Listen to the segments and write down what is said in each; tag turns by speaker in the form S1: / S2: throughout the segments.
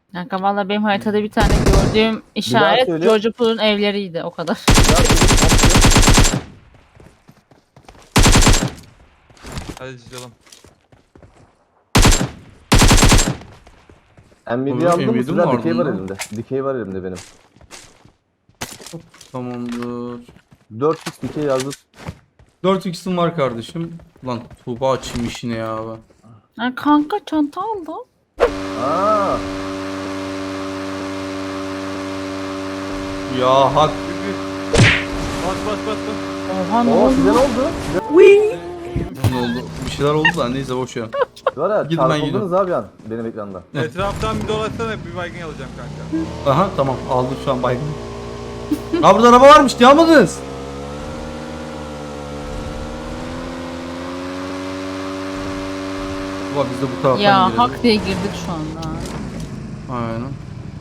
S1: Kanka valla benim haritada bir tane gördüğüm işaret
S2: söyle.
S1: George Pool'un evleriydi o kadar.
S3: Hadi canım.
S2: Nvidia aldım mı?
S4: M7
S2: Sizler
S4: var
S2: dikey var
S4: bunda.
S2: elimde. Dikey var elimde benim.
S4: Tamamdır.
S2: 4x dikey yazdım.
S4: 4x'im var kardeşim. Lan Tuğba açayım işine ya abi.
S1: Ha, kanka çanta aldım.
S2: Aa,
S4: Ya hak.
S3: Bas bas bas bas.
S1: Oha ne
S2: o size ne
S1: oldu?
S2: oldu?
S4: Ne oldu? Bir şeyler oldu da neyse boş ver.
S2: Var ya,
S4: Gidin ben
S2: çarpıldınız abi an benim ekranda.
S3: Etraftan bir dolaşsana, bir baygın alacağım kanka.
S4: Aha tamam aldım şu an baygın. Ha burada araba varmış diye almadınız. Ulan biz de bu taraftan
S1: Ya
S4: girelim.
S1: hak diye girdik şu anda.
S4: Aynen.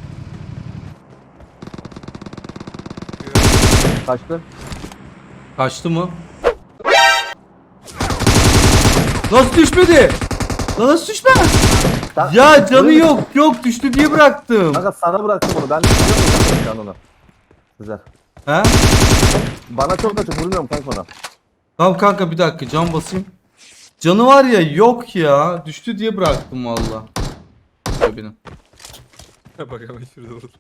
S2: Kaçtı.
S4: Kaçtı mı? Nasıl düşmedi? Lan nasıl düşme?
S2: Sen-
S4: Ya canı
S2: Öyle mi?
S4: yok düştü diye bıraktım.
S2: Kanka sana bıraktım onu. Ben biliyor muyum şu an onu? Sizler.
S4: He?
S2: Bana çok açık vurmuyorum kanka ona.
S4: Tamam kanka bir dakika can basayım. Canı var ya yok ya. Düştü diye bıraktım valla. Benim.
S3: Bak ama şurada olur.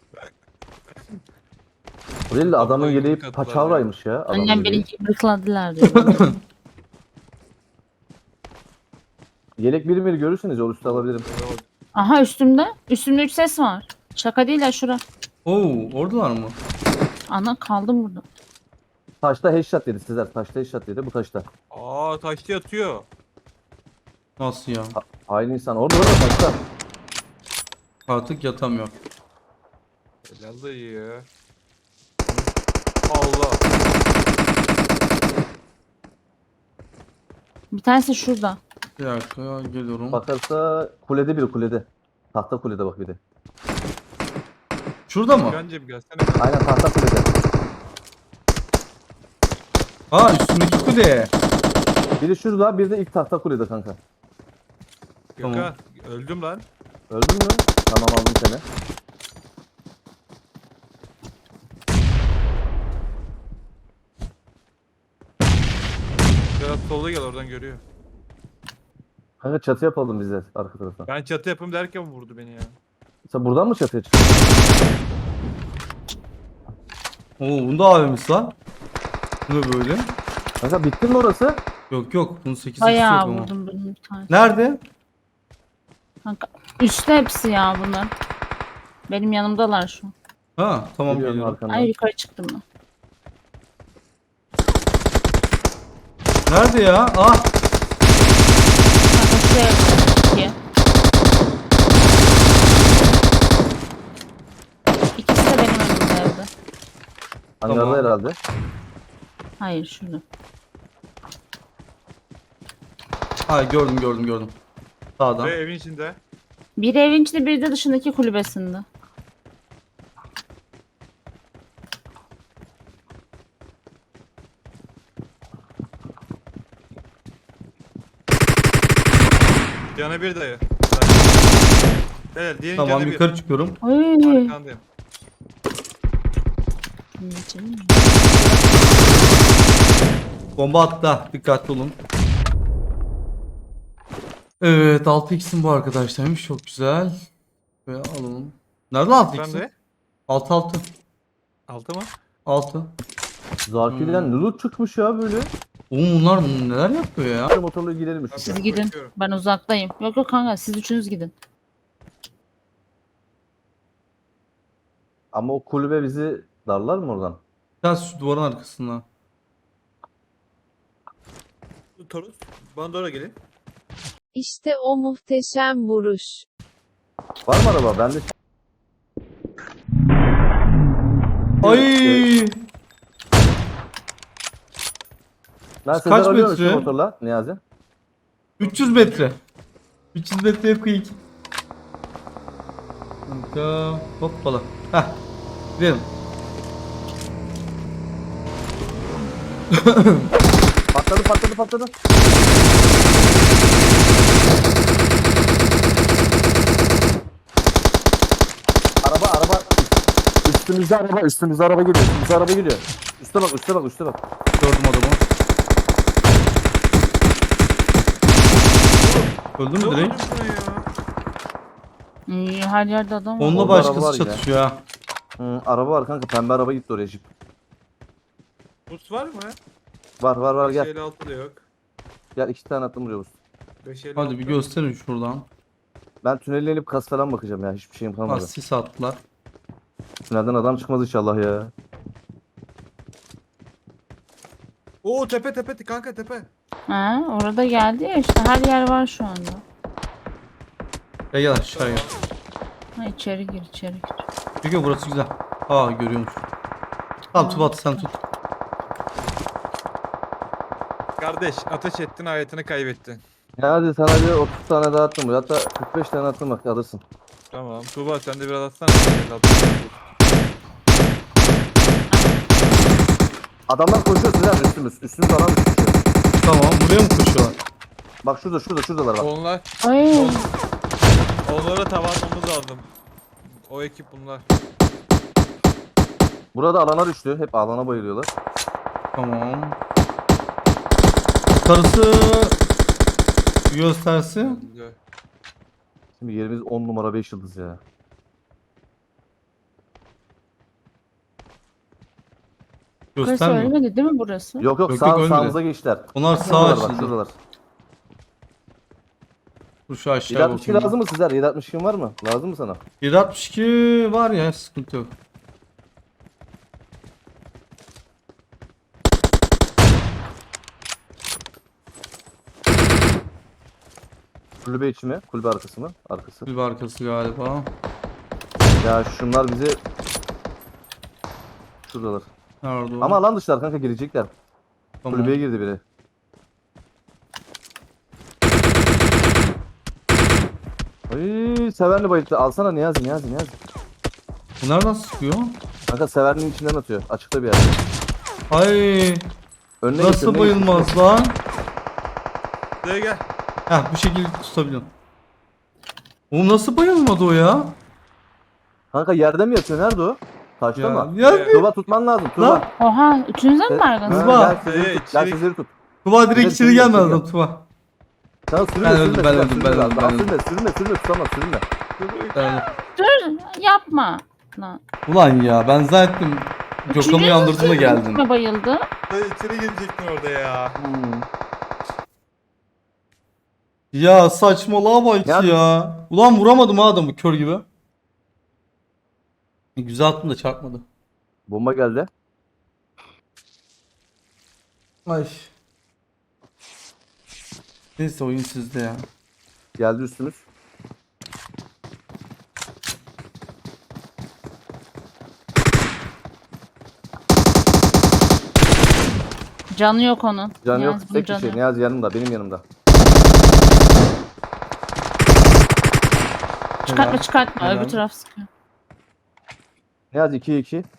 S2: O değil de adamın
S3: Vallahi
S2: yeleği
S3: yumruk attılar
S2: paçavraymış ya. Adamın
S1: Annem
S2: yeleği.
S1: beni bıkladılar diyor.
S2: Yelek biri görürsünüz ya, o üstü alabilirim.
S1: Aha üstümde. Üstümde 3 ses var. Şaka değil ya şura.
S4: Oo oradalar mı?
S1: Ana kaldım burada.
S2: Taşta headshot yedi sizler. Taşta headshot yedi bu taşta.
S3: Aa, taşta yatıyor.
S4: Nasıl ya?
S2: Aynı insan. Orada taşta.
S4: Artık yatamıyor.
S3: Helal dayı. Allah.
S1: Bir tanesi şurada.
S4: Bir dakika ya, geliyorum.
S2: Bakarsa kulede biri kulede. Tahta kulede bak bir de.
S4: Şurada mı?
S3: Gökhan'cığım gelsene.
S2: Aynen tahta kulede.
S4: Ha üstündeki kule.
S2: Biri şurada, bir de ilk tahta kulede kanka.
S4: Tamam.
S3: Gökhan öldüm lan.
S2: Öldün mü? Tamam, aldım seni.
S3: Biraz solda gel, oradan görüyor.
S2: Kanka çatı yapalım biz de arka tarafa.
S3: Ben çatı yapayım derken vurdu beni ya.
S2: Sen buradan mı çatıya çıktın?
S4: Oo bunda AVM'si var. Bu da böyle.
S2: Kanka bitti mi orası?
S4: Yok bunun 8'i yok
S1: Bayağı
S4: ama.
S1: vurdum benim bir tane.
S4: Nerede?
S1: Kanka üstte hepsi ya bunlar. Benim yanımdalar şu an.
S4: Ha tamam
S2: Geliyorum
S4: geliyorum.
S2: arkandan.
S1: Ay yukarı çıktım ben.
S4: Nerede ya? Ah
S1: Kanka şuraya iki. İkisi de benim önümde evde.
S2: Hangarda
S4: Tamam.
S2: herhalde.
S1: Hayır şurada.
S4: ha gördüm. Sağdan.
S3: Ve evin içinde.
S1: Biri evin içinde biri de dışındaki kulübesinde.
S3: Canı bir dayı. Evet, diğerin
S4: Tamam
S3: canı bir.
S4: yukarı çıkıyorum.
S1: Ay.
S3: Arkandayım.
S4: Bomba attı. Dikkatli olun. Evet 6x'im bu arkadaşlarmış. Çok güzel. Ve alalım. Nerede 6x'im?
S3: Sen de.
S4: 6 6.
S3: Altı mı?
S4: 6.
S2: Zarfi'den loot çıkmış ya böyle.
S4: Oğlum bunlar neler yapıyor ya?
S2: Motorla gidelim üstüne.
S1: Siz gidin.
S3: Bakıyorum.
S1: Ben uzaktayım. Yok kanka siz üçünüz gidin.
S2: Ama o kulübe bizi darlar mı oradan?
S4: Biraz şu duvarın arkasında.
S3: Torus. Bana doğru gelin.
S5: İşte o muhteşem vuruş.
S2: Var mı araba? Bende
S4: Ay!
S2: ben Sezer
S4: Kaç
S2: alıyorum
S4: metre?
S2: şu motorla Niyazi.
S4: 300 metre. 300 metreye quick. Kanka hoppala. Heh. Gidelim.
S2: Patladı. Üstümüzde araba, üstümüzde araba geliyor. Üstümüzde araba geliyor. Üste bak, üste bak, üste bak.
S4: Gördüm adamı. Öldü mü
S3: Ne oldu
S4: direkt?
S3: şuna ya?
S1: Her yerde adam var.
S4: Onunla
S2: Orada araba var
S4: başkası
S2: ya.
S4: çatışıyor ha.
S2: Araba var kanka, pembe araba gitti oraya jip.
S3: Boost var mı?
S2: Var gel.
S3: 556 da yok.
S2: Gel 2 tane attım buraya boost.
S3: 556.
S4: Hadi bir gösterin şuradan.
S2: Ben tünele inip kas falan bakacağım ya, hiçbir şeyim
S4: Ha,
S2: kalmadı.
S4: sis attılar.
S2: Tünelden adam çıkmaz inşallah ya.
S3: Oo tepe kanka tepe.
S1: Ha, orada geldi ya işte her yer var şu anda.
S4: Gel gel aşağıya.
S1: Ha, içeri gir içeri gir.
S4: Çünkü burası güzel. Aa görüyormuş. Tamam Tubat sen tut.
S3: Kardeş ateş ettin hayatını kaybettin.
S2: Ya hadi sana bir 30 tane daha attım buraya. Hatta 45 tane attım bak, alırsın.
S3: Tamam. Tuğba sen de biraz atsana. 556.
S2: Adamlar koşuyor Sinan, üstümüz adam koşuyor.
S4: Tamam buraya mı koşuyorlar?
S2: Bak şuradalar bak.
S3: Onlar.
S1: Ay.
S3: Onlara tava atmamız lazım. O ekip bunlar.
S2: Burada alana düştü. Hep alana bayılıyorlar.
S4: Tamam. Karısı göstersi.
S2: Şimdi yerimiz 10 numara 5 yıldız ya.
S1: Burası
S4: Göstermiyor.
S1: ölmedi değil mi burası?
S2: Yok
S4: Yok,
S2: sağ,
S4: ölmedi.
S2: sağımıza geçtiler.
S4: Onlar sağ
S2: Şuradalar bak,
S4: açıldı.
S2: şuradalar.
S4: Dur şu aşağı
S2: 762
S4: bakayım.
S2: lazım mı sizler? 762 var mı? Lazım mı sana?
S4: 762 var ya sıkıntı yok.
S2: Kulübe içi mi? Kulübe arkası mı? Arkası.
S4: Bir arkası galiba.
S2: Ya şunlar bizi... Şuradalar.
S4: Nerede o?
S2: Ama alan dışlar kanka, girecekler.
S4: Tamam.
S2: Kulübeye girdi biri. Ay, Severli bayılttı. Alsana Niyazi.
S4: Bu nereden sıkıyor?
S2: Kanka Severli'nin içinden atıyor. Açıkta bir yerde.
S4: Ay
S2: Önüne geç,
S4: nasıl
S2: önüne geç.
S4: bayılmaz lan?
S3: Buraya gel.
S4: Heh bu şekilde tutabiliyorum. Oğlum nasıl bayılmadı o ya?
S2: Kanka yerde mi yatıyor? Nerede o? Taşta
S4: Ya,
S2: mı?
S4: ya bir
S2: Tuğba tutman lazım. Tuğba.
S4: Lan.
S1: Oha üçünüzde mi baygın?
S4: Tuğba.
S2: Gel sizleri tut. Gel
S3: içeri-
S2: sizleri tut.
S4: Tuba direkt
S2: Güzel,
S4: içeri
S2: güzel,
S4: gelmedi
S2: güzel.
S4: adam Tuba.
S2: Tamam sürünme,
S4: Ben
S2: sürünme,
S4: öldüm, ben
S2: sürünme,
S4: öldüm,
S2: sürünme.
S4: ben öldüm,
S2: Daha
S4: ben öldüm.
S2: Sürünme, tutamaz, sürünme.
S1: Dur yapma. Lan.
S4: Ulan ya ben zaten Gökhan'ı uyandırdın da geldin.
S1: Üçüncü bayıldı.
S3: Dayı içeri gelecektin orada ya.
S4: Ya saçmalığa bak
S2: Ya-
S4: ya. Ulan vuramadım ha adamı kör gibi. Güzel attım da çarpmadı.
S2: Bomba geldi.
S4: Ay. Neyse oyun sizde ya.
S2: Geldi üstümüz.
S1: Canı yok onun.
S2: Canı yok.
S1: Niyazi, bunun
S2: Tek
S1: canı
S2: kişi.
S1: yok.
S2: Niyazi yanımda. Benim yanımda.
S1: Çıkartma çıkartma
S4: Helal.
S1: öbür taraf sıkıyor.
S2: Niyazi 2'ye 2.